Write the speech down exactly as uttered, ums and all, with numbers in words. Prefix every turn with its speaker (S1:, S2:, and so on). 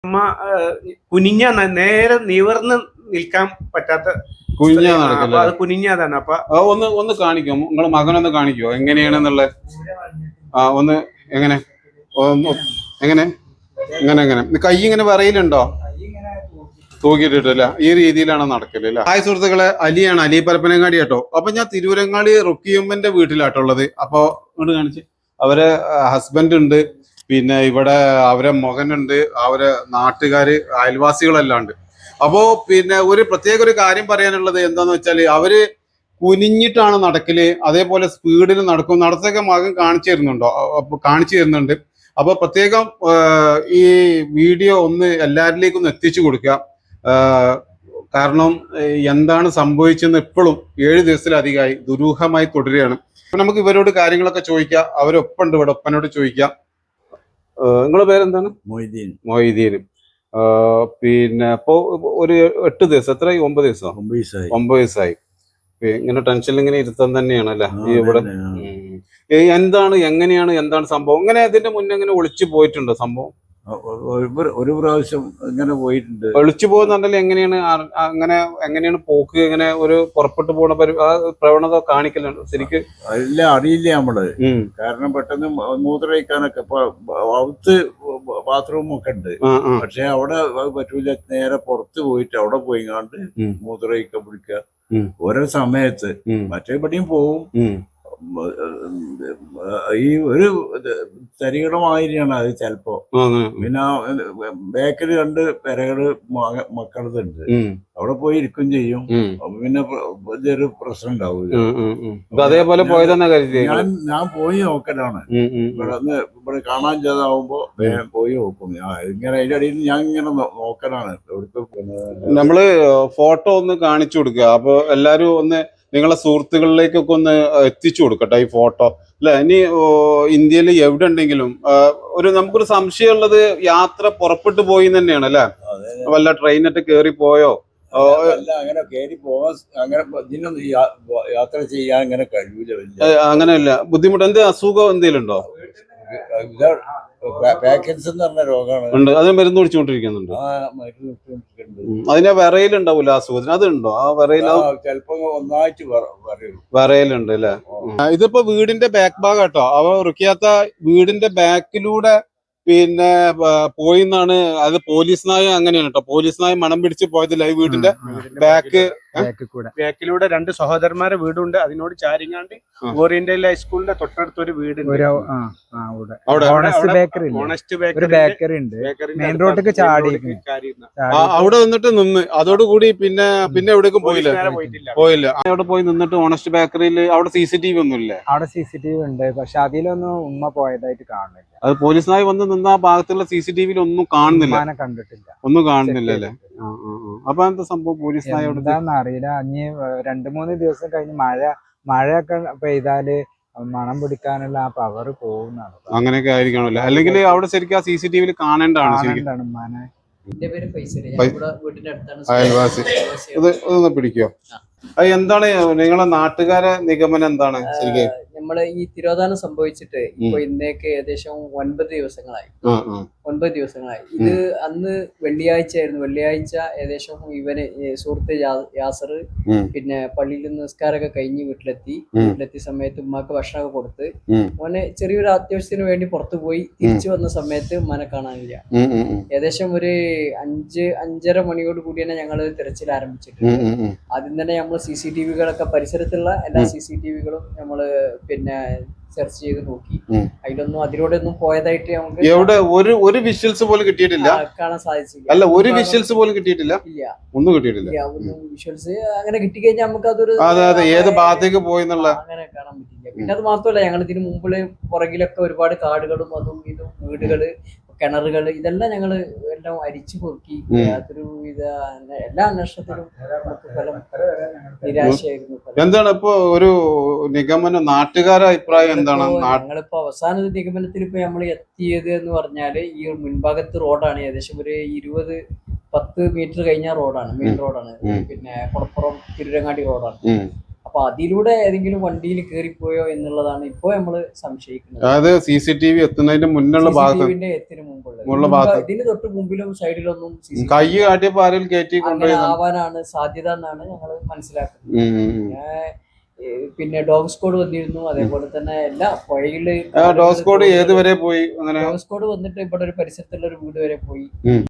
S1: അമ്മ കുനിഞ്ഞ നേരെ നിവർന്ന് നിൽക്കാൻ പറ്റാത്ത
S2: കുനിഞ്ഞാ നടക്കല്ലേ?
S1: അത് കുനിഞ്ഞതാണ്. അപ്പൊ
S2: ഒന്ന് ഒന്ന് കാണിക്കോ, നിങ്ങളെ മകനൊന്ന് കാണിക്കോ എങ്ങനെയാണെന്നുള്ള. ആ ഒന്ന് എങ്ങനെ എങ്ങനെ ഇങ്ങനെ എങ്ങനെ കൈ ഇങ്ങനെ വിറയിലുണ്ടോ? തൂക്കിയിട്ടിട്ടില്ല. ഈ രീതിയിലാണ് നടക്കല് അല്ലേ? ഹായ് സുഹൃത്തുക്കളെ, അലിയാണ്, അലി പരപ്പനങ്ങാടി കേട്ടോ. അപ്പൊ ഞാൻ തിരൂരങ്ങാടി റുക്കിയമ്മന്റെ വീട്ടിലാട്ടുള്ളത്. അപ്പൊ ഇങ്ങോട്ട് കാണിച്ച്, അവരെ ഹസ്ബൻഡ് ഉണ്ട്, പിന്നെ ഇവിടെ അവരെ മകനുണ്ട്, അവരെ നാട്ടുകാര് അയൽവാസികളെല്ലാം ഉണ്ട്. അപ്പോ പിന്നെ ഒരു പ്രത്യേക ഒരു കാര്യം പറയാനുള്ളത് എന്താന്ന് വെച്ചാല്, അവര് കുനിഞ്ഞിട്ടാണ് നടക്കല്, അതേപോലെ സ്പീഡിൽ നടക്കും. നടത്തൊക്കെ മകൻ കാണിച്ചു തരുന്നുണ്ടോ? കാണിച്ചു തരുന്നുണ്ട്. അപ്പൊ പ്രത്യേകം ഈ വീഡിയോ ഒന്ന് എല്ലാവരിലേക്കും ഒന്ന് എത്തിച്ചു കൊടുക്കുക. കാരണം എന്താണ് സംഭവിച്ചെന്ന് ഇപ്പോഴും ഏഴ് ദിവസത്തിലധികമായി ദുരൂഹമായി തുടരുകയാണ്. അപ്പൊ നമുക്ക് ഇവരോട് കാര്യങ്ങളൊക്കെ ചോദിക്കാം. അവരൊപ്പുണ്ട് ഇവിടെ, ഒപ്പനോട് ചോദിക്കാം. നിങ്ങളുടെ പേരെന്താണ്?
S3: മൊയ്തീൻ.
S2: മൊയ്തീൻ. പിന്നെ ഇപ്പോ ഒരു എട്ട് ദിവസം, എത്രയായി? ഒമ്പത് ദിവസം
S3: ഒമ്പത് ദിവസമായി
S2: ഒമ്പത് ദിവസമായി ഇങ്ങനെ ടെൻഷനിൽ ഇങ്ങനെ ഇരുത്താൻ തന്നെയാണല്ലേ ഈ ഇവിടെ? എന്താണ്, എങ്ങനെയാണ്, എന്താണ് സംഭവം? ഇങ്ങനെ ഇതിന്റെ മുന്നേ ഇങ്ങനെ ഒളിച്ചു പോയിട്ടുണ്ടോ സംഭവം?
S3: ഒരു പ്രാവശ്യം ഇങ്ങനെ പോയിട്ടുണ്ട്.
S2: ഒളിച്ചു പോകുന്നുണ്ടല്ലോ. എങ്ങനെയാണ് അങ്ങനെ എങ്ങനെയാണ് പോക്ക്? ഇങ്ങനെ ഒരു പുറപ്പെട്ടു പോണ പ്രവണത കാണിക്കലുണ്ട് ശരിക്ക്?
S3: അല്ല, അറിയില്ല നമ്മള്. കാരണം പെട്ടെന്ന് മൂത്രമൊഴിക്കാനൊക്കെ അകത്ത് ബാത്റൂം ഒക്കെ ഉണ്ട്, പക്ഷെ അവിടെ പറ്റൂല. നേരെ പുറത്ത് പോയിട്ട് അവിടെ പോയിങ്ങാണ്ട് മൂത്രമൊഴിക്കാൻ പിടിക്കുക ഓരോ സമയത്ത്. മറ്റേപടിയും പോവും. ഈ ഒരു തരികടമാതിരിയാണ് അത് ചിലപ്പോ. പിന്നെ ബേക്കറി രണ്ട് പെരകള് മക്കളതുണ്ട്, അവിടെ പോയി ഇരിക്കും ചെയ്യും. അപ്പൊ പിന്നെ ഇതൊരു പ്രശ്നം ഉണ്ടാവില്ല.
S2: അതേപോലെ പോയതെന്നാ കരുതി.
S3: ഞാൻ ഞാൻ പോയി നോക്കലാണ്. ഇവിടെ ഇവിടെ കാണാൻ ചെയ്താവുമ്പോ പോയി നോക്കും. ഇങ്ങനെ അതിന്റെ അടിയിൽ ഞാൻ ഇങ്ങനെ നോക്കലാണ്.
S2: നമ്മള് ഫോട്ടോ ഒന്ന് കാണിച്ചു കൊടുക്കുക. അപ്പൊ എല്ലാരും ഒന്ന് നിങ്ങളെ സുഹൃത്തുക്കളിലേക്കൊക്കെ ഒന്ന് എത്തിച്ചു കൊടുക്കട്ടെ ഈ ഫോട്ടോ അല്ലെ. ഇനി ഇന്ത്യയിൽ എവിടെ ഉണ്ടെങ്കിലും ഒരു നമുക്കൊരു സംശയമുള്ളത് യാത്ര പുറപ്പെട്ടു പോയി തന്നെയാണ് അല്ലെ? വല്ല ട്രെയിനൊക്കെ കേറി പോയോ?
S3: അങ്ങനെ കേറി പോവാൻ അങ്ങനെ ഇതിനൊന്നും യാത്ര ചെയ്യാൻ അങ്ങനെ കഴിയൂല.
S2: അങ്ങനെയല്ല. ബുദ്ധിമുട്ട് എന്ത് അസുഖം എന്തെങ്കിലും ഉണ്ടോ?
S3: പാക്കൻസ് എന്ന് പറഞ്ഞ രോഗമാണ്.
S2: ഉണ്ട്. അതിന് മരുന്ന് കുടിച്ചുകൊണ്ടിരിക്കുന്നുണ്ട്. അതിന് വിറയിലുണ്ടാവൂല അസുഖത്തിന്? അതുണ്ടോ? ആ വിറയിൽ
S3: ചിലപ്പോ ഒന്നായിട്ട്
S2: വിറയിലുണ്ട് അല്ലെ? ഇതിപ്പോ വീടിന്റെ ബാക്ക് ഭാഗം കേട്ടോ. അവ റുക്കിയാത്ത വീടിന്റെ ബാക്കിലൂടെ പിന്നെ പോയി എന്നാണ്. അത് പോലീസ് നായ അങ്ങനെയാണ് കേട്ടോ. പോലീസ് നായ മണം പിടിച്ച് പോയതില്ല. ഈ വീടിന്റെ ബാക്ക്
S1: ബാക്കിലൂടെ രണ്ട് സഹോദരന്മാരെ വീടുണ്ട്. അതിനോട് ചാരിങ്ങാണ്ട് ഓറിയന്റൽ ഹൈസ്കൂളിന്റെ തൊട്ടടുത്ത് ഒരു വീടുണ്ട്.
S2: ബേക്കറി ഉണ്ട്. മെയിൻ റോഡിലേക്ക് ചാടി അവിടെ നിന്നിട്ട് നിന്ന് അതോടുകൂടി പിന്നെ പിന്നെ എവിടേക്കും പോയില്ല പോയില്ല അവിടെ പോയി നിന്നിട്ട് ഓണസ്റ്റ് ബേക്കറിയിൽ അവിടെ സി സി ടി വി ഒന്നും ഇല്ലേ?
S4: അവിടെ സി സി ടി വി ഉണ്ട്, പക്ഷെ അതിലൊന്നും ഉമ്മ പോയതായിട്ട് കാണുന്നില്ല.
S2: അത് പോലീസിനായി വന്ന് നിന്ന ആ ഭാഗത്തുള്ള സി സി ടി വിയിൽ ഒന്നും കാണുന്നില്ല.
S4: കണ്ടിട്ടില്ല,
S2: ഒന്നും കാണുന്നില്ല അല്ലേ? അപ്പൊ എന്താ സംഭവം? പോലീസിനായി
S4: എന്താന്ന് അറിയില്ല. അഞ്ഞ് രണ്ടു മൂന്ന് ദിവസം കഴിഞ്ഞ് മഴ മഴയൊക്കെ പെയ്താല് മണം പിടിക്കാനുള്ള ആ പവർ പോകുന്നതാണ്.
S2: അങ്ങനെയൊക്കെ ആയിരിക്കണല്ലോ. അല്ലെങ്കിൽ അവിടെ ശരിക്കും ആ സി സി ടി വിയിൽ കാണേണ്ടതാണ്.
S4: ഉമ്മാനെ.
S2: അയൽവാസി ഇത് ഒന്ന് പിടിക്കോ? അത് എന്താണ് നിങ്ങളെ നാട്ടുകാരെ നിഗമനം എന്താണ് ശരിക്കും?
S5: നമ്മള് ഈ തിരോധാനം സംഭവിച്ചിട്ട് ഇപ്പൊ ഇന്നേക്ക് ഏകദേശം ഒൻപത് ദിവസങ്ങളായി ഒൻപത് ദിവസങ്ങളായി ഇത് അന്ന് വെള്ളിയാഴ്ച ആയിരുന്നു. വെള്ളിയാഴ്ച ഏകദേശം ഇവന് സുഹൃത്ത് യാസർ പിന്നെ പള്ളിയിൽ നിന്ന് നിസ്കാരമൊക്കെ കഴിഞ്ഞ് വീട്ടിലെത്തി. വീട്ടിലെത്തിയ സമയത്ത് ഉമ്മാക്ക് ഭക്ഷണമൊക്കെ കൊടുത്ത് മോനെ ചെറിയൊരു അത്യാവശ്യത്തിന് വേണ്ടി പുറത്തു പോയി. തിരിച്ചു വന്ന സമയത്ത് ഉമ്മാനെ കാണാനില്ല. ഏകദേശം ഒരു അഞ്ച് അഞ്ചര മണിയോട് കൂടി തന്നെ ഞങ്ങള് തിരച്ചിൽ ആരംഭിച്ചിട്ടുണ്ട്. ആദ്യം തന്നെ നമ്മൾ സി സി ടി വികളൊക്കെ പരിസരത്തുള്ള എല്ലാ സി സി ടി വികളും നമ്മള് പിന്നെ സെർച്ച് ചെയ്ത് നോക്കി. അതിലൊന്നും അതിലൂടെ ഒന്നും പോയതായിട്ട് നമുക്ക്
S2: എവിടെ ഒരു ഒരു വിഷ്വൽസ് പോലും കിട്ടിയിട്ടില്ല,
S5: കാണാൻ സാധിച്ചില്ല.
S2: അല്ല ഒരു വിഷ്വൽസ് പോലും കിട്ടിയിട്ടില്ല.
S5: ഇല്ല,
S2: ഒന്നും കിട്ടിയിട്ടില്ല.
S5: ഒന്നും വിഷ്വൽസ് അങ്ങനെ കിട്ടിക്കഴിഞ്ഞാൽ നമുക്ക് അതൊരു
S2: അതെ അതെ ഏത് ഭാഗത്തേക്ക് പോയി എന്നുള്ള
S5: അങ്ങനെ കാണാൻ പറ്റില്ല. പിന്നെ അത് മാത്രമല്ല, ഞങ്ങൾ ഇതിന് മുമ്പില് പുറകിലൊക്കെ ഒരുപാട് കാടുകളും അതും ഇതും വീടുകള് കിണറുകൾ ഇതെല്ലാം ഞങ്ങള് എല്ലാം അരിച്ചു പൊറുക്കി. യാതൊരു വിധ എല്ലാ അന്വേഷണത്തിലും ഫലം നിരാശയായിരുന്നു.
S2: എന്താണ് ഇപ്പൊ ഒരു നിഗമനം, നാട്ടുകാരുടെ അഭിപ്രായം എന്താണ്?
S5: ഞങ്ങളിപ്പോ അവസാന നിഗമനത്തിൽ ഇപ്പൊ നമ്മൾ എത്തിയത് എന്ന് പറഞ്ഞാല് ഈ മുൻഭാഗത്ത് റോഡാണ്. ഏകദേശം ഒരു ഇരുപത് പത്ത് മീറ്റർ കഴിഞ്ഞ റോഡാണ്, മെയിൻ റോഡാണ്. പിന്നെ കുളപ്പുറം തിരുരങ്ങാടി റോഡാണ്. അപ്പൊ അതിലൂടെ ഏതെങ്കിലും വണ്ടിയിൽ കയറിപ്പോയോ എന്നുള്ളതാണ് ഇപ്പോ നമ്മള് സംശയിക്കുന്നത്.
S2: അതായത് സി സി ടി വി എത്തുന്നതിന്റെ മുന്നുള്ള ഭാഗത്ത്
S5: സിസിടിവിന്റെ എത്തിന് മുമ്പുള്ളത്
S2: മുള്ള ഭാഗത്ത്
S5: ഇതിന് തൊട്ട് മുമ്പിലും സൈഡിലൊന്നും
S2: കൈ കാട്ടിയപ്പോ ആരെങ്കിലും കയറ്റി
S5: അങ്ങനെ
S2: കൊണ്ടുപോയി
S5: ആവാനാണ് സാധ്യത എന്നാണ് ഞങ്ങൾ മനസ്സിലാക്കുന്നത്. പിന്നെ ഏഹ് പിന്നെ ഡോഗ് സ്ക്വാഡ് വന്നിരുന്നു, അതേപോലെ തന്നെ എല്ലാ പുഴയില്
S2: ഡോഗ് സ്ക്വാഡ് ഏതുവരെ പോയി അങ്ങനെ
S5: ഡോഗ് സ്ക്വാഡ് വന്നിട്ട് ഇവിടെ ഒരു പരിസരത്തുള്ള ഒരു വീട് വരെ പോയി.